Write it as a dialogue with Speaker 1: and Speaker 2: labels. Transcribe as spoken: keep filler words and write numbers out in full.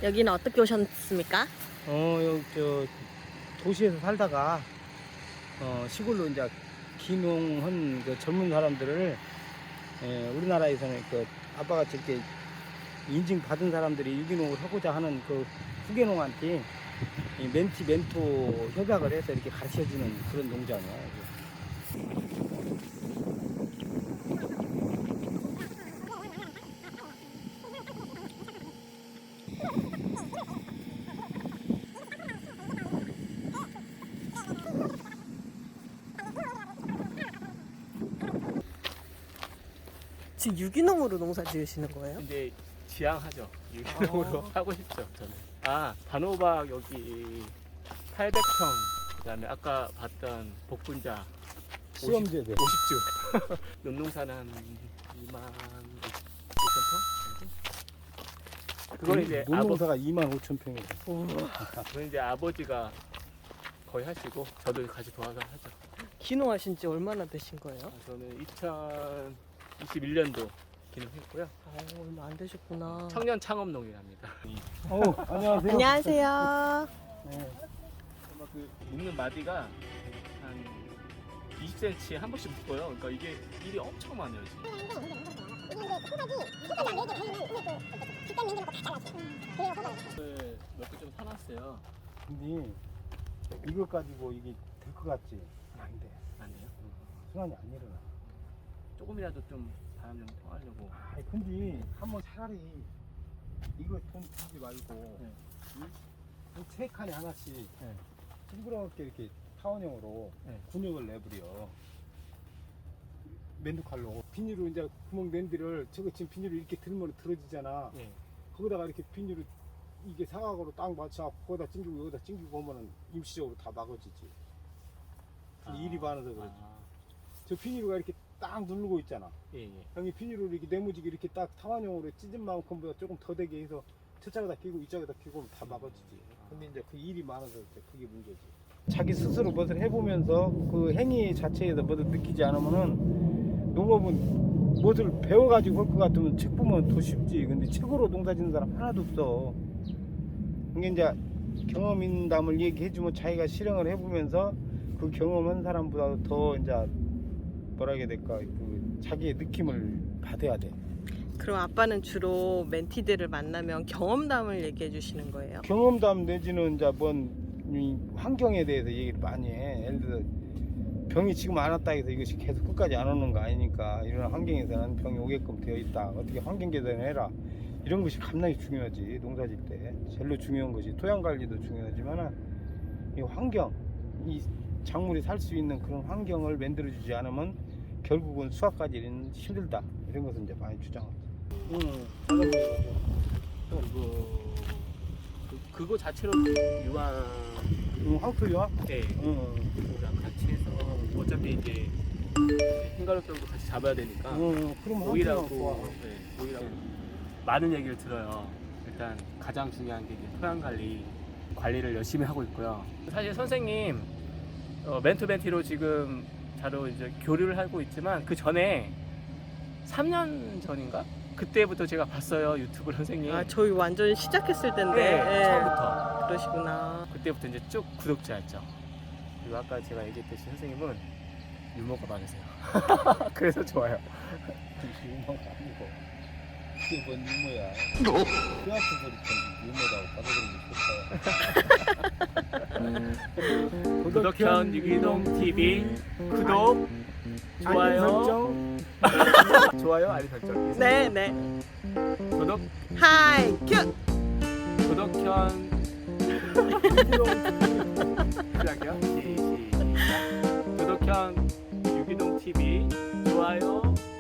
Speaker 1: 여기는 어떻게 오셨습니까?
Speaker 2: 어, 여기 저 도시에서 살다가 어, 시골로 이제 귀농한 그 젊은 사람들을 에, 우리나라에서는 그 아빠같이 이렇게 인증 받은 사람들이 유기농을 하고자 하는 그 후계농한테 이 멘티 멘토 협약을 해서 이렇게 가르쳐주는 그런 농장이야.
Speaker 1: 지금 유기농으로 농사 지으시는 거예요?
Speaker 3: 근데 지향하죠. 유기농으로
Speaker 1: 아.
Speaker 3: 하고 싶죠, 저는. 아, 단호박 여기 팔백 평, 그다음에 아까 봤던 복분자
Speaker 2: 시험제대.
Speaker 3: 오십 주. 논농사는 한 이만 오천 평? 그건 이제 아버,
Speaker 2: 농사가 이만 오천 평이에요.
Speaker 3: 그건 이제 아버지가 거의 하시고 저도 같이 도와서 하죠.
Speaker 1: 귀농하신 지 얼마나 되신 거예요?
Speaker 3: 아, 저는 이천이십일 년도 기능했고요.
Speaker 1: 어, 얼마 안 되셨구나.
Speaker 3: 청년 창업농이랍니다.
Speaker 2: 어, 안녕하세요.
Speaker 1: 안녕하세요.
Speaker 2: 네.
Speaker 3: 아마 그 묶는 마디가 한 이십 센티미터 한 번씩 묶어요. 그러니까 이게 일이 엄청 많아요. 지금. 몇 개 좀 사놨어요.
Speaker 2: 근데 이거 가지고 이게 될 것 같지? 안 돼.
Speaker 3: 아니에요?
Speaker 2: 순환이 안 일어나.
Speaker 3: 조금이라도 좀 바람 좀 통하려고.
Speaker 2: 아, 근데 한번 차라리 이거 돈 주지 말고
Speaker 3: 네.
Speaker 2: 이 세 칸에 하나씩
Speaker 3: 네.
Speaker 2: 둥그렇게 이렇게 타원형으로
Speaker 3: 네.
Speaker 2: 군역을 내버려. 맨두칼로 비닐로 이제 구멍 낸 데를 저거 지금 비닐을 이렇게 들면 들어지잖아.
Speaker 3: 예.
Speaker 2: 거기다가 이렇게 비닐을 이게 사각으로 딱 맞춰 거기다 찡기고 여기다 찡기고 하면은 임시적으로 다 막아지지. 근데 일이 많아서 그러지.
Speaker 3: 아,
Speaker 2: 저 비닐가 이렇게 딱 누르고 있잖아.
Speaker 3: 예, 예.
Speaker 2: 형이 비닐로 이렇게 네모지게 이렇게 딱 타원형으로 찢은 만큼보다 조금 더 되게 해서 저쪽에다 끼고 이쪽에다 끼고 다 막아지지. 근데 이제 그 일이 많아서 이제 그게 문제지. 자기 스스로 무엇을 해보면서 그 행위 자체에서 무엇을 느끼지 않으면은 농업은 무엇을 배워가지고 할 것 같으면 책 보면 더 쉽지. 근데 책으로 농사 짓는 사람 하나도 없어. 이게 이제 경험인담을 얘기해주면 자기가 실행을 해보면서 그 경험한 사람보다 더 이제 뭐라 해야 될까, 그 자기의 느낌을 받아야 돼.
Speaker 1: 그럼 아빠는 주로 멘티들을 만나면 경험담을 얘기해 주시는 거예요?
Speaker 2: 경험담 내지는 이제 뭔 이 환경에 대해서 얘기를 많이 해. 예를 들어 병이 지금 안 왔다 해서 이것이 계속 끝까지 안 오는 거 아니니까 이런 환경에서는 병이 오게끔 되어 있다. 어떻게 환경 개선해라. 이런 것이 겁나게 중요하지. 농사질 때 제일로 중요한 것이 토양 관리도 중요하지만 이 환경, 이 작물이 살 수 있는 그런 환경을 만들어주지 않으면 결국은 수확까지는 힘들다. 이런 것은 이제 많이 주장하지. 응,
Speaker 3: 그리고 그, 그거 자체로 유황,
Speaker 2: 응, 황토요?
Speaker 3: 네,
Speaker 2: 응,
Speaker 3: 그거랑 같이 해서 어차피 이제 흰가루병도 같이 잡아야 되니까
Speaker 2: 응, 그럼
Speaker 3: 오일하고,
Speaker 2: 황토가 좋아.
Speaker 3: 네, 오일하고 많은 얘기를 들어요. 일단 가장 중요한 게 이제 토양 관리, 관리를 열심히 하고 있고요. 사실 선생님 어, 멘토 멘티로 지금 자로 이제 교류를 하고 있지만 그 전에 삼 년 전인가? 그때부터 제가 봤어요, 유튜브 선생님.
Speaker 1: 아, 저희 완전 시작했을 텐데.
Speaker 3: 네,
Speaker 1: 예.
Speaker 3: 처음부터.
Speaker 1: 그러시구나.
Speaker 3: 그때부터 이제 쭉 구독자였죠. 그리고 아까 제가 얘기했듯이 선생님은 유머가 많으세요. 그래서 좋아요.
Speaker 2: 유머가 아니고 이게 뭔 유머야. 뼈아픈 소리 좀 유머다고 받아들이면 좋다.
Speaker 3: 구독현 유기농 티비 구독, 좋아요,
Speaker 2: 설정.
Speaker 3: 좋아요, 알림 설정.
Speaker 1: 네, 네.
Speaker 3: 구독,
Speaker 1: 하이 큐.
Speaker 3: 구독현 시작이요? 시작. 구독현 유기농 티비 좋아요,